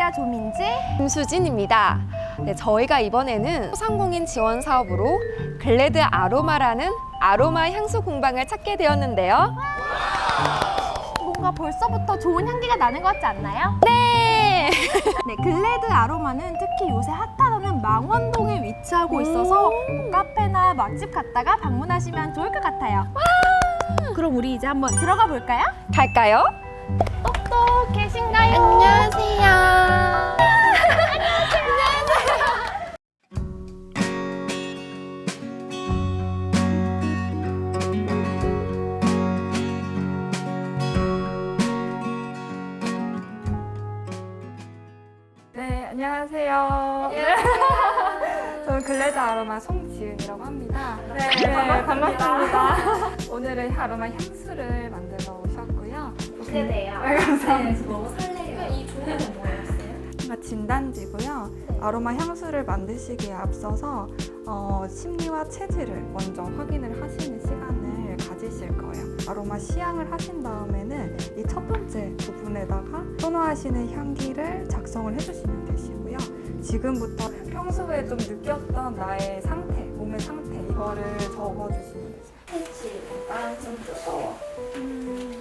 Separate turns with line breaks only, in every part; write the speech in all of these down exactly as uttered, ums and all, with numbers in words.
안녕하세요. 조민지,
김수진입니다. 네, 저희가 이번에는 소상공인 지원 사업으로 글래드 아로마라는 아로마 향수 공방을 찾게 되었는데요.
뭔가 벌써부터 좋은 향기가 나는 것 같지 않나요?
네!
네, 글래드 아로마는 특히 요새 핫하다는 망원동에 위치하고 있어서 뭐 카페나 맛집 갔다가 방문하시면 좋을 것 같아요. 그럼 우리 이제 한번 들어가 볼까요?
갈까요?
똑똑 계신가요?
안녕하세요.
네, 안녕하세요. 저는 글래드 아로마 송지은이라고 합니다.
네,
반갑습니다.
반갑습니다.
오늘은 아로마 향수를 만들어 오셨고요.
기대돼요.
네, 감사합니다.
너무 설레요. 이 종이는 뭐였어요?
뭔가 진단지고요. 아로마 향수를 만드시기에 앞서서 어, 심리와 체질을 먼저 확인을 하시는 시간을 가지실 거예요. 아로마 시향을 하신 다음에는 이 첫 번째 부분에다가 선호하시는 향기를 작성을 해주시면 되시고요. 지금부터 평소에 좀 느꼈던 나의 상태, 몸의 상태 이거를 적어주시면 되세요.
펜치가 좀 뜨거워.
음,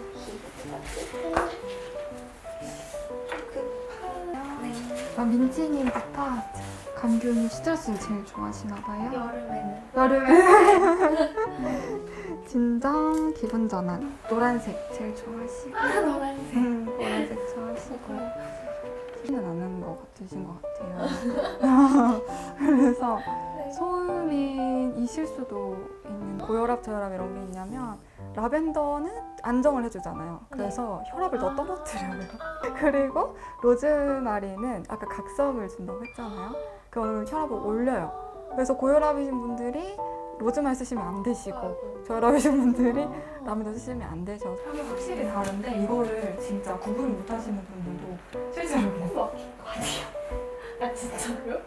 아, 민지님부터 감귤 스트레스를 제일 좋아하시나 봐요.
여름에는
여름에 진정, 기분 전환. 노란색 제일 좋아하시고.
아 노란색.
음, 노란색 좋아하시고. 티는 나는 것 같으신 것 같아요. 그래서 소음이 이실 수도 있는 고혈압, 저혈압 이런 게 있냐면 라벤더는 안정을 해주잖아요. 그래서 혈압을 더 떨어뜨려요. 그리고 로즈마리는 아까 각성을 준다고 했잖아요. 그거는 혈압을 올려요. 그래서 고혈압이신 분들이 로즈마리 쓰시면 안 되시고 저혈압이신 분들이 라벤더 쓰시면 안 되셔서 향이 확실히 다른데 이거를 진짜 구분 못 하시는 분들도 실제로 계세요.
아 진짜요?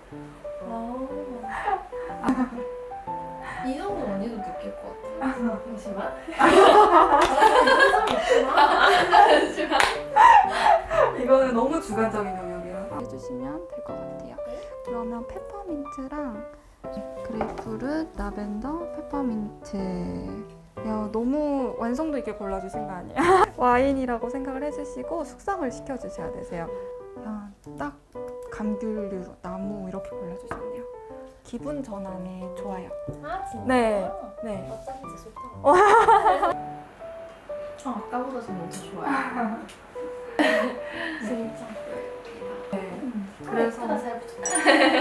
아. 이 정도 언니도 느낄 것 같아요. 잠시만. 잠시만.
이거는 너무 주관적인 영역이라서 해주시면 될 것 같아요. 그러면 페퍼민트랑 그레이프룻, 라벤더, 페퍼민트. 야, 너무 완성도 있게 골라주신 거 아니에요? 와인이라고 생각을 해주시고 숙성을 시켜주셔야 되세요. 야, 딱 감귤류, 나무 이렇게 골라주셨네요. 기분 전환에 좋아요.
아 진짜?
네, 네.
어쩐지 좋다. 저 아까보다 좀 엄청 좋아요. 진짜.
네. 그래서
예쁘다, 잘 붙였다.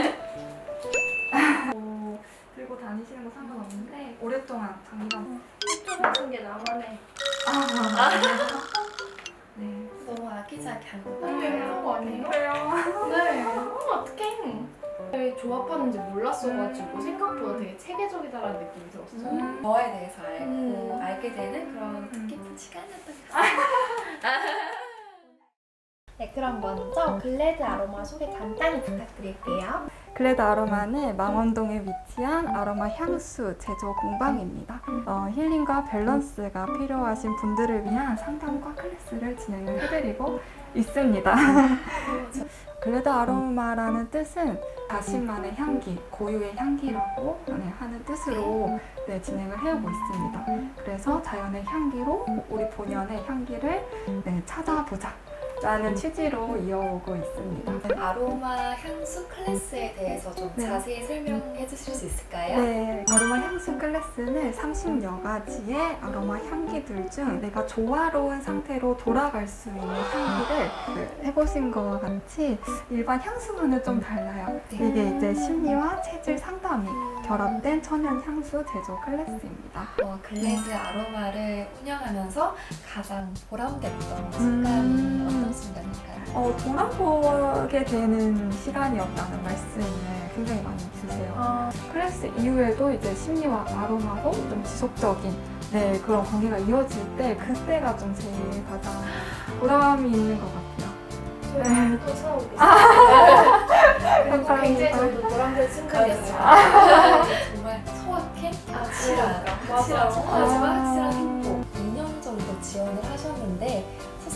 뭐 들고 다니시는 거 상관없는데 오랫동안 장기간
좀 같은 게 나만의.
아, 네.
너무 아기자기 한 거.
그런 거
아니에요?
그래요?
네. 어, 어떡해. 왜 조합하는지 몰랐어가지고 생각보다 되게 체계적이다라는 느낌이 들었어요.
음.
저에 대해서 알고
음.
알게 되는 그런
음.
뜻깊은 시간이었던 것 같아요. 네, 그럼 먼저 글래드 아로마 소개 간단히 부탁드릴게요.
글래드 아로마는 망원동에 위치한 아로마 향수 제조 공방입니다. 어, 힐링과 밸런스가 필요하신 분들을 위한 상담과 클래스를 진행을 해드리고 있습니다. 글래드 아로마라는 뜻은 자신만의 향기, 고유의 향기라고 하는 뜻으로 네, 진행을 해오고 있습니다. 그래서 자연의 향기로 우리 본연의 향기를 네, 찾아보자 라는 취지로 이어오고 있습니다.
아로마 향수 클래스에 대해서 좀
네.
자세히 설명해 주실 수 있을까요?
네, 아로마 향수 클래스는 삼십여 가지의 아로마 향기들 중 내가 조화로운 상태로 돌아갈 수 있는 향기를 해보신 것과 같이 일반 향수와는 좀 달라요. 이게 이제 심리와 체질 상담이 결합된 천연 향수 제조 클래스입니다.
어, 글래드 아로마를 운영하면서 가장 보람됐던 순간이
음.
어떤 순간일까요?
어, 돌아보게 되는 시간이었다는 말씀을 굉장히 많이 주세요.
아,
클래스 이후에도 이제 심리와 아로마로 좀 지속적인 네, 그런 관계가 이어질 때 그때가 좀 제일 가장 보람이 있는 것 같아요.
저희 또 사오겠습니다.
감사합니다.
굉장히 저희도 보람된 순간이었어요. 정말 소확행? 확실한, 확실한,
맞아.
정말
아.
확실한 행복. 이 년 정도 지원을 하셨는데 소상공인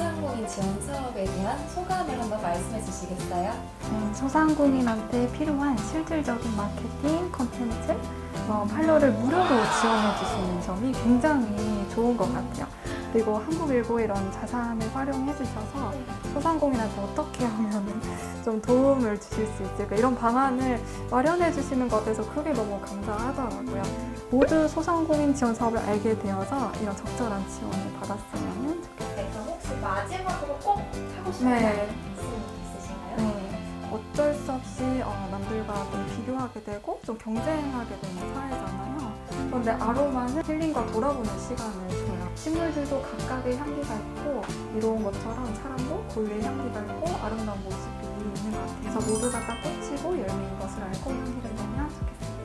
소상공인 지원 사업에 대한 소감을 한번 말씀해 주시겠어요?
음, 소상공인한테 필요한 실질적인 마케팅, 콘텐츠, 뭐 판로를 무료로 지원해 주시는 점이 굉장히 좋은 것 같아요. 그리고 한국일보 이런 자산을 활용해 주셔서 소상공인한테 어떻게 하면 좀 도움을 주실 수 있을까 이런 방안을 마련해 주시는 것에서 그게 너무 감사하더라고요. 모두 소상공인 지원 사업을 알게 되어서 이런 적절한 지원을 받았으면 좋겠어요.
네, 그럼 혹시 마지막으로 꼭 하고 싶은
네.
말씀 있으신가요?
네, 어쩔 수 없이 어, 남들과 좀 비교하게 되고 좀 경쟁하게 되는 사회잖아요. 그런데 아로마는 힐링과 돌아보는 시간을 줘요. 식물들도 각각의 향기가 있고 이로운 것처럼 사람도 고유의 향기가 있고 아름다운 모습이 있는 것 같아요. 그래서 모두가 다 꽃이고 열매인 것을 알고 향기를 내면 좋겠습니다.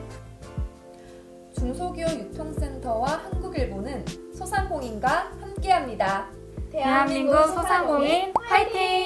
중소기업 유통센터와 한국일보는 소상공인과 함께합니다.
대한민국 소상공인 화이팅!